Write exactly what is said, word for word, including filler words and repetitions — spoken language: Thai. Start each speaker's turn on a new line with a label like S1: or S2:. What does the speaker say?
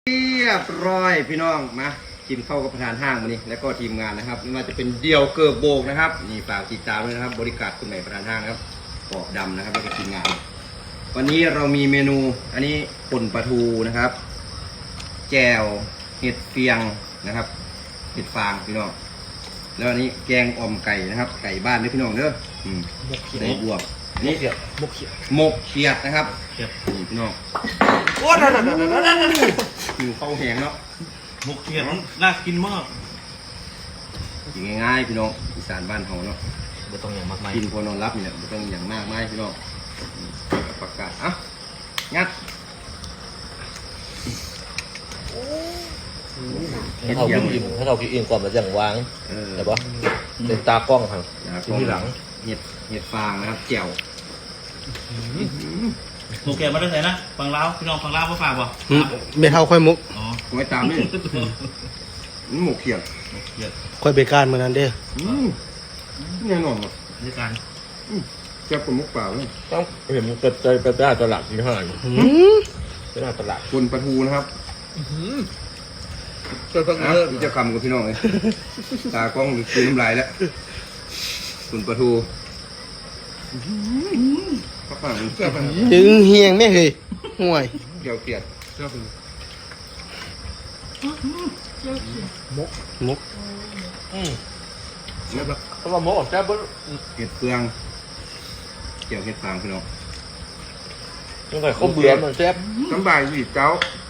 S1: เรียบร้อยพี่น้องมากินข้าวกับประธานห้างวันนี้แล้วก็ทีมงานนะครับไม่ว่าจะเป็นเดี่ยวเกิร์โบกนะครับนี่ฝากติดตามด้วยนะครับบริการคุณใหม่ประธานห้างนะครับปอบดำนะครับแล้วก็ทีมงานวันนี้เรามีเมนูอันนี้ป่นปลาทูนะครับแจ่วเห็ดเฟียงนะครับเห็ดฟางพี่น้องแล้วอันนี้แกงอ่อมไก่นะครับไก่บ้านด้วยพี่น้องเด้ออืมในบวบนี่
S2: มกเขียด
S1: หมกเขียดนะครับ
S2: เขียด
S1: นี่พี่น้อง
S2: โอ้ยนั่นนั่นนั่นนั่นนั่น
S1: หิวข้าวแห้งเนาะ
S2: มกเขียดน่ากินมาก
S1: กินง่ายๆพี่น้องอีสานบ้านเฮาเนาะ
S2: ไม่ต้องอย่างมากมาย
S1: กินพอนอนรับนี่แหละไม่ต้องอย่างมากมายพี่น้องประกาศอ่ะงัด
S3: ให้เขากินอิ่มให้เขากินอิ่มก่อนมันอย่างวาง
S1: เออ
S3: แต่ว่าเป็นตากล้องครับกินที่หลัง
S1: เห็ดเห็ดฟางนะครับแจ่ว
S2: หมกเขียดมาได้ไหนนะฟังเล่าพี่น้องฟังเล่ามาฝากบ่
S4: เบ็ดเท่าค่อยมุก
S2: อ๋อ
S1: ไว้ตามนี่นี่หมกเขียด
S2: มกเขียด
S4: ค่อยเบการเหมือนนั้นเด้อ
S1: อืมแน่นอนว่ะ
S2: ด้วยกัน
S1: แจ่วกับมุกเปล่าเลย
S3: ต้องเห็นกระจายกระจายตลาดที่ห้าง
S4: หืม
S3: ตลาดตลาด
S1: คนปลาทูนะครับ
S3: ก็ต้อง
S1: นะ
S3: เลิก
S1: จะคำกับพี่น้องเลยตากล้องกินน้ำลายแล้วคนปลาทูข้าวฟ่างมันแซ่บอันนี้
S4: ถึงเฮียงไม่เคยห่วย
S1: แจ่วเขียด
S4: มุก
S3: อืม
S1: แล้วก็
S3: เพราะว่าหมอแซ่บบ่
S1: เห็ดเฟืองแจ่วเห็ดฟางพี่น้อง
S3: ตั้งแต่เขาเบื่อมันแซ่บ
S1: สบายสิเจ้า